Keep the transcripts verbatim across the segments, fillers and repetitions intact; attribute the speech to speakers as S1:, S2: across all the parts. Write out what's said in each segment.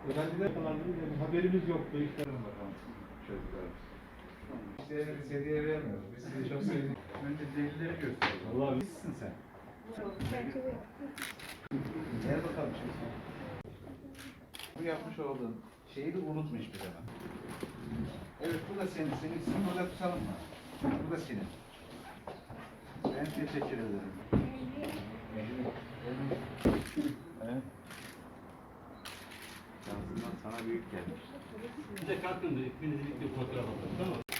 S1: Öğrenciler kullandığımız haberimiz yoktu. İşlerin bakalım çocuklar. İşlerine biz hediye vermiyoruz. Biz sizi çok sevdik. Önce delilleri gösteriyoruz. Allah bilsin sen. Gel bakalım şimdi. Bu yapmış olduğun şeyi de unutma hiçbir zaman. Evet bu da senin. Senin ismin burada tutalım mı? Bu da senin. Ben teşekkür ederim. Evet. Şansından sana büyük gelmiş.
S2: Bir de kalkın da ikiniz birlikte fotoğraf alalım, tamam mı?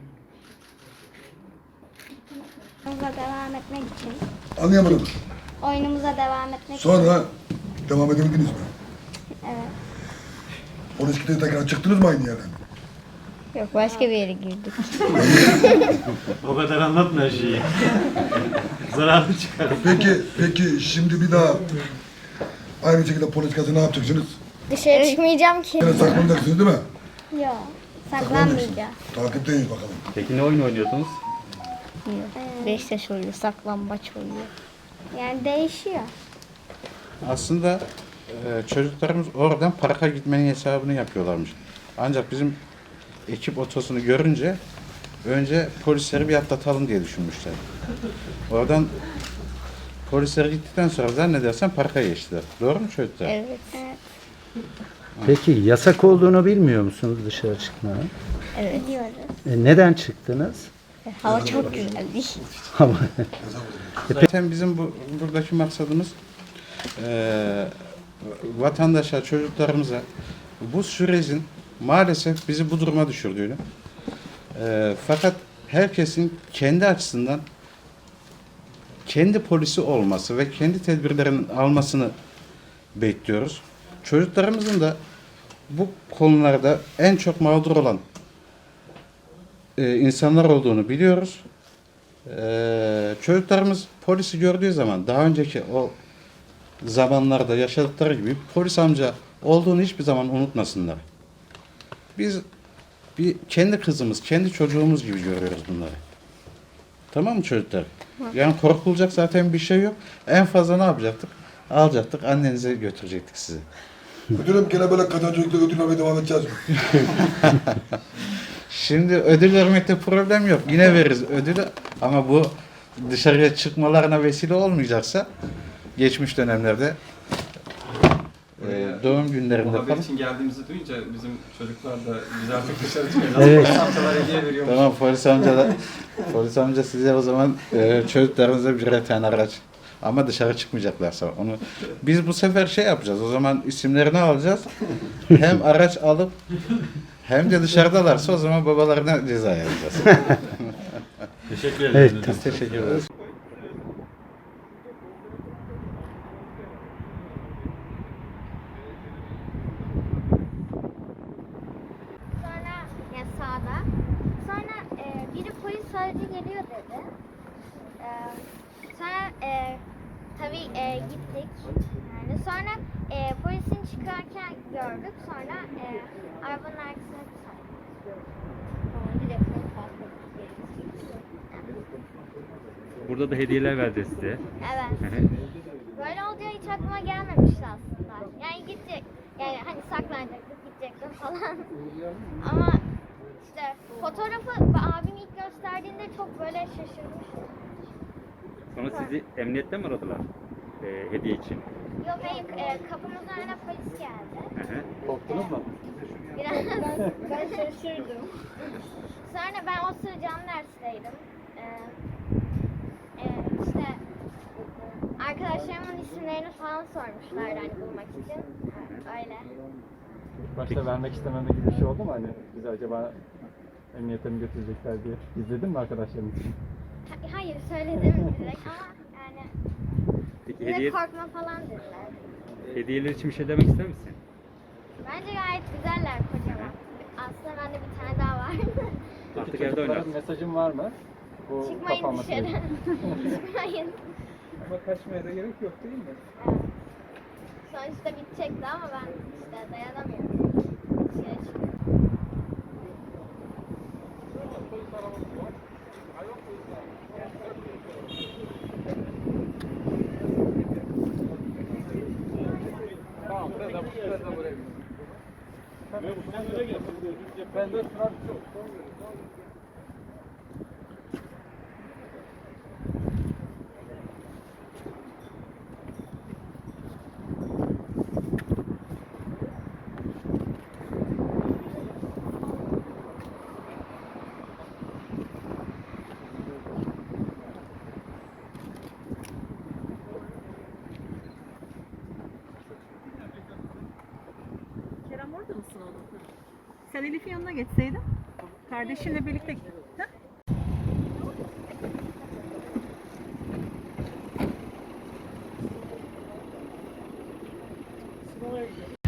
S3: Oyunumuza devam etmek için.
S4: Anlayamadım.
S3: Oyunumuza devam etmek için.
S4: Sonra devam edebildiniz mi?
S3: Evet.
S4: Polis kitleri tekrar çıktınız mı aynı yerden?
S3: Yok, başka bir yere girdik.
S2: O kadar anlatma her şeyi. Zararlı çıkar.
S4: Peki, peki şimdi bir daha aynı şekilde polis kazı ne yapacaksınız?
S3: Dışarı çıkmayacağım ki.
S4: Yine saklanacaksınız değil mi?
S3: Yok. Saklanmayacağım.
S4: Takipteyiz bakalım.
S2: Peki ne oyun oynuyorsunuz?
S3: Yok. Beşiktaş oluyor, saklambaç oluyor. Yani değişiyor.
S5: Aslında e, çocuklarımız oradan parka gitmenin hesabını yapıyorlarmış. Ancak bizim ekip otosunu görünce önce polisleri bir atlatalım diye düşünmüşler. Oradan polisler gittikten sonra zannedersem parka geçtiler. Doğru mu çocuklar?
S3: Evet. Evet.
S6: Peki yasak olduğunu bilmiyor musunuz dışarı çıkmanın?
S3: Evet. Diyoruz.
S6: E, neden çıktınız?
S3: Hava çok güzeldi.
S6: Ama
S5: Zaten bizim bu buradaki maksadımız e, vatandaşa, çocuklarımıza bu sürecin maalesef bizi bu duruma düşürdüğünü e, fakat herkesin kendi açısından kendi polisi olması ve kendi tedbirlerini almasını bekliyoruz. Çocuklarımızın da bu konularda en çok mağdur olan e, insanlar olduğunu biliyoruz. E, çocuklarımız polisi gördüğü zaman daha önceki o zamanlarda yaşadıkları gibi polis amca olduğunu hiçbir zaman unutmasınlar. Biz bir kendi kızımız, kendi çocuğumuz gibi görüyoruz bunları. Tamam mı çocuklar? Yani korkulacak zaten bir şey yok. En fazla ne yapacaktık? Alacaktık, annenize götürecektik sizi.
S4: Müdürüm gene böyle kazancılıkla ödül vermeye devam edeceğiz mi?
S5: Şimdi ödül vermekte problem yok. Yine veririz ödülü ama bu dışarıya çıkmalarına vesile olmayacaksa geçmiş dönemlerde e, doğum günlerinde
S7: Bu haber
S5: falan.
S7: için geldiğimizi duyunca bizim çocuklar da biz artık dışarı çıkıyoruz.
S6: Evet.
S7: Polis amcalar hediye veriyormuş.
S5: Tamam polis amca da polis amca size o zaman e, çocuklarınıza birer tane araç ama dışarı çıkmayacaklarsa onu biz bu sefer şey yapacağız. O zaman isimlerini alacağız. Hem araç alıp hem de dışarıdalarsa o zaman babalarına ceza yazacağız.
S2: Teşekkür ederim.
S6: evet,
S5: Biz teşekkür ederiz.
S3: Sonra yani sağda. Sonra e, biri polis aracı geliyor dedi. E, sonra e, tabii e, gittik. Yani sonra e, polisin çıkarken gördük. Sonra e, arabanın arkasına kısaldık.
S2: Burada da hediyeler verdi size.
S3: Evet. Böyle olacağı hiç aklıma gelmemişti aslında. Yani gidecek, yani hani saklanacaktık, gidecektim falan. Ama işte fotoğrafı abim ilk gösterdiğinde çok böyle şaşırmıştım.
S2: Sonra sizi emniyette mi aradılar? Ee, hediye için.
S3: Yok hayır, e, kapımızın önüne polis geldi.
S2: Hı hı.
S7: Korktunuz mu?
S3: Biraz ben şaşırdım. Sonra ben o sıra canlı dersteydim. Ee, e, işte arkadaşlarımın isimlerini falan sormuşlardı hani bulmak için. Öyle.
S7: Başta vermek istememe gibi bir şey oldu mu? Hani bizi acaba emniyete mi götürecekler diye. İzledin mi arkadaşların için?
S3: Ha- Hayır söyledim direkt ama yani
S2: Peki
S3: bize
S2: hediye,
S3: korkma falan dediler.
S2: hediyeler için bir şey demek ister misin?
S3: Bence gayet güzeller kocaman. Aslında bende bir tane daha var.
S2: Artık
S7: Peki
S2: evde
S7: çocuklara
S2: oynarsın.
S7: mesajın var mı? Bu
S3: Çıkmayın
S7: kapanma
S3: dışarı.
S7: süreci.
S3: Çıkmayın.
S7: Ama kaçmaya da gerek yok değil mi?
S3: Evet. Sonuçta bitecekti ama ben işte dayanamıyorum. Dışarı çıkıyorum.
S7: Tamam, burada da burada da buraya.
S8: Kerem orada mısın oğlum? Sen Elif'in yanına geçseydin. Kardeşinle birlikte git. Ha?